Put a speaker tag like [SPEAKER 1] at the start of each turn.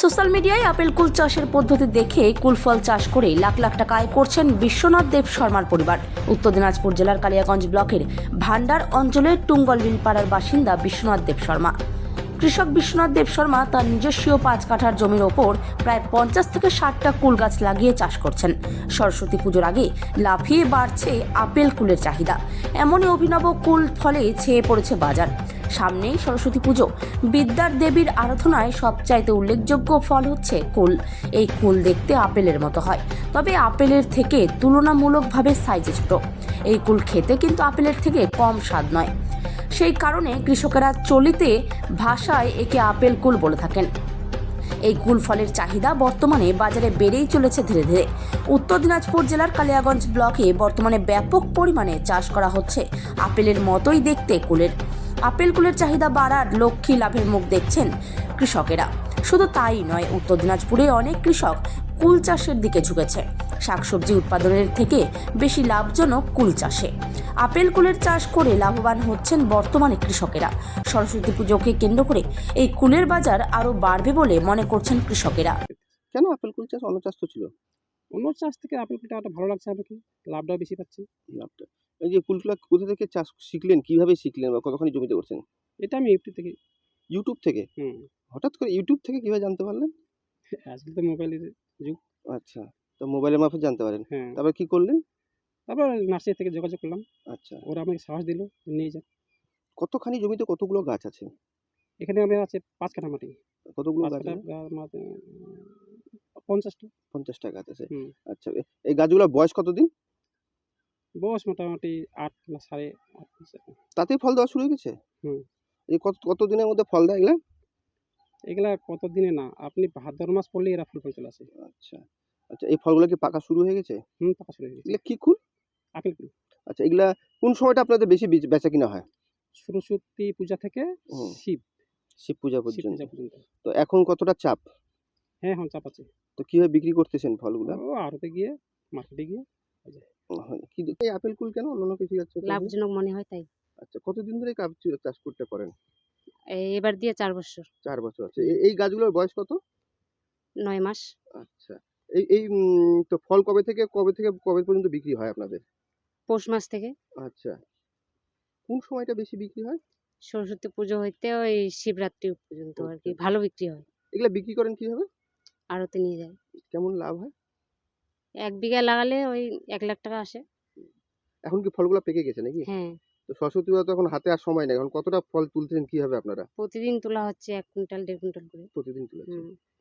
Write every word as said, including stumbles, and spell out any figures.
[SPEAKER 1] Social মিডিয়ায় apple কুল চাষের পদ্ধতি দেখে কুল ফল চাষ করে লাখ লাখ টাকা আয় করছেন বিশ্বনাথ দেব শর্মার পরিবার। উত্তর দিনাজপুর জেলার কালিয়াগঞ্জ ব্লকের ভান্ডার অঞ্চলের টুঙ্গলবিল পাড়ার বাসিন্দা বিশ্বনাথ দেব শর্মা। কৃষক বিশ্বনাথ দেব শর্মা তার নিজস্ব পাঁচ কাঠার জমির ওপর প্রায় পঞ্চাশ থেকে ষাটটা কুল গাছ লাগিয়ে চাষ করছেন। সরস্বতী পুজোর আগে লাফিয়ে বাড়ছে আপেল কুলের চাহিদা। এমনই অভিনব কুল ফলে ছেয়ে পড়েছে বাজার। সামনেই সরস্বতী পুজো, বিদ্যার দেবীর আরাধনায় সবচাইতে উল্লেখযোগ্য ফল হচ্ছে কুল। এই কুল দেখতে আপেলের মতো হয়, তবে আপেলের থেকে তুলনামূলকভাবে সাইজে ছোট। এই কুল খেতে কিন্তু আপেলের থেকে কম স্বাদ নয়। সেই কারণে কৃষকেরা চলিতে ভাষায় একে আপেল কুল বলে থাকেন। এই কুল ফলের চাহিদা বর্তমানে বাজারে বেড়েই চলেছে ধীরে ধীরে। উত্তর দিনাজপুর জেলার কালিয়াগঞ্জ ব্লকে বর্তমানে ব্যাপক পরিমাণে চাষ করা হচ্ছে আপেলের মতোই দেখতে কুলের। আপেল কুলের চাহিদা বাড়ার লক্ষ্যে লাভের মুখ দেখছেন কৃষকেরা। শুধু তাই নয়, উত্তর দিনাজপুরে অনেক কৃষক কুল চাষের দিকে ঝুঁকেছে। শাকসবজি উৎপাদনের থেকে বেশি লাভজনক কুল চাষে। আপেল কুলের চাষ করে লাভবান হচ্ছেন বর্তমানে কৃষকেরা। সরস্বতী পুজোকে কেন্দ্র করে এই কুলের বাজার আরও বাড়বে বলে মনে করছেন কৃষকেরা।
[SPEAKER 2] কেন আপেল কুল চাষ অন্য চাষ তো ছিল?
[SPEAKER 3] অন্য চাষ থেকে আপেল কুলটা একটা ভালো লাগছে আমাকে, লাভটাও বেশি পাচ্ছি।
[SPEAKER 2] লাভটা এই যে কুলগুলা কোথা থেকে চাষ শিখলেন, কিভাবে শিখলেন বা কতখানি জমিতে করছেন?
[SPEAKER 3] এটা আমি ইউটিউব থেকে।
[SPEAKER 2] ইউটিউব থেকে?
[SPEAKER 3] হুম
[SPEAKER 2] হঠাৎ করে ইউটিউব থেকে কিভাবে জানতে পারলেন?
[SPEAKER 3] আজকাল তো মোবাইলের যুগ।
[SPEAKER 2] আচ্ছা, তো মোবাইলের মারফত জানতে পারেন।
[SPEAKER 3] হ্যাঁ,
[SPEAKER 2] তারপর কি করলেন?
[SPEAKER 3] তারপর নার্সারি থেকে যোগাযোগ করলাম,
[SPEAKER 2] আচ্ছা,
[SPEAKER 3] ওরা আমাকে সাহস দিল, নিয়ে যান।
[SPEAKER 2] কতখানি জমিতে কতগুলো গাছ আছে?
[SPEAKER 3] এখানে আমি আছে পাঁচ কাঠা মাটি,
[SPEAKER 2] কতগুলো
[SPEAKER 3] পাঁচ
[SPEAKER 2] গাছ
[SPEAKER 3] কাঠা
[SPEAKER 2] আছে?
[SPEAKER 3] গা- মাটি, পঞ্চাশটা।
[SPEAKER 2] পঞ্চাশটা গাছ আছে।
[SPEAKER 3] হুম
[SPEAKER 2] আচ্ছা, এ- এই গাছগুলোর বয়স কতদিন?
[SPEAKER 3] বয়স মোটামুটি আট না সাড়ে আট মাস এরকম।
[SPEAKER 2] তাতেই ফল দেওয়া শুরু হয়ে গেছে?
[SPEAKER 3] হুম
[SPEAKER 2] এই কত কত দিনের মধ্যে ফল দেয় এগুলা?
[SPEAKER 3] এগুলা কত দিনে না, আপনি ভাদ্র মাস পড়লে এরা ফুল ফল চলে আসে।
[SPEAKER 2] আচ্ছা আচ্ছা, এই ফলগুলো কি পাকা শুরু হয়ে গেছে?
[SPEAKER 3] হুম পাকা শুরু হয়ে গেছে।
[SPEAKER 2] এগুলা কি কুল?
[SPEAKER 3] আপেল কুল
[SPEAKER 2] আচ্ছা, এগুলা কোন সময়টা আপনাদের বেশি বেচ- বেচা কিনা হয়?
[SPEAKER 3] সরস্বতী পূজা থেকে
[SPEAKER 2] হুম,
[SPEAKER 3] শিব
[SPEAKER 2] শিব পূজা
[SPEAKER 3] শিব
[SPEAKER 2] পর্যন্ত।
[SPEAKER 3] পূজা পর্যন্ত।
[SPEAKER 2] তো এখন কতটা চাপ?
[SPEAKER 3] হ্যাঁ হ্যাঁ চাপ আছে।
[SPEAKER 2] তো কিভাবে বিক্রি করতেছেন ফলগুলা?
[SPEAKER 3] ও আড়তে গিয়ে, মার্কেটে গিয়ে হয়ে যায়।
[SPEAKER 2] হয়। কি এই আপেল কুল কেন অন্যান্য কিছু যাচ্ছে
[SPEAKER 4] লাভজনক মনে হয় তাই।
[SPEAKER 2] আচ্ছা, কতদিন ধরে কাপ চাষ করতে করেন?
[SPEAKER 4] এই এবার দিয়ে চার বছর।
[SPEAKER 2] চার বছর আছে।
[SPEAKER 4] হুম।
[SPEAKER 2] এ- এই গাছগুলোর বয়স কত?
[SPEAKER 4] নয় মাস।
[SPEAKER 2] আচ্ছা, এই এই উম, তো ফল কবে থেকে কবে থেকে কবে পর্যন্ত বিক্রি হয় আপনাদের?
[SPEAKER 4] পৌষ মাস থেকে
[SPEAKER 2] আচ্ছা, কোন সময়টা বেশি বিক্রি হয়?
[SPEAKER 4] সরস্বতী পুজো হইতে ওই শিবরাত্রি পর্যন্ত আর কি ভালো বিক্রি হয়।
[SPEAKER 2] এগুলা বিক্রি করেন কিভাবে?
[SPEAKER 4] আড়তে নিয়ে যায়।
[SPEAKER 2] কেমন লাভ হয়?
[SPEAKER 4] এক বিঘা লাগালে ওই এক লাখ টাকা আসে।
[SPEAKER 2] এখন কি ফলগুলো পেকে গেছে নাকি?
[SPEAKER 4] হ্যাঁ,
[SPEAKER 2] তো সরস্বতী পূজা তো এখন হাতে আর সময় নেই, এখন কতটা ফল তুলতেছেন কিভাবে আপনারা?
[SPEAKER 4] প্রতিদিন তোলা হচ্ছে এক কুইন্টাল দেড় কুইন্টাল করে।
[SPEAKER 2] প্রতিদিন তুলেছেন?
[SPEAKER 4] হুম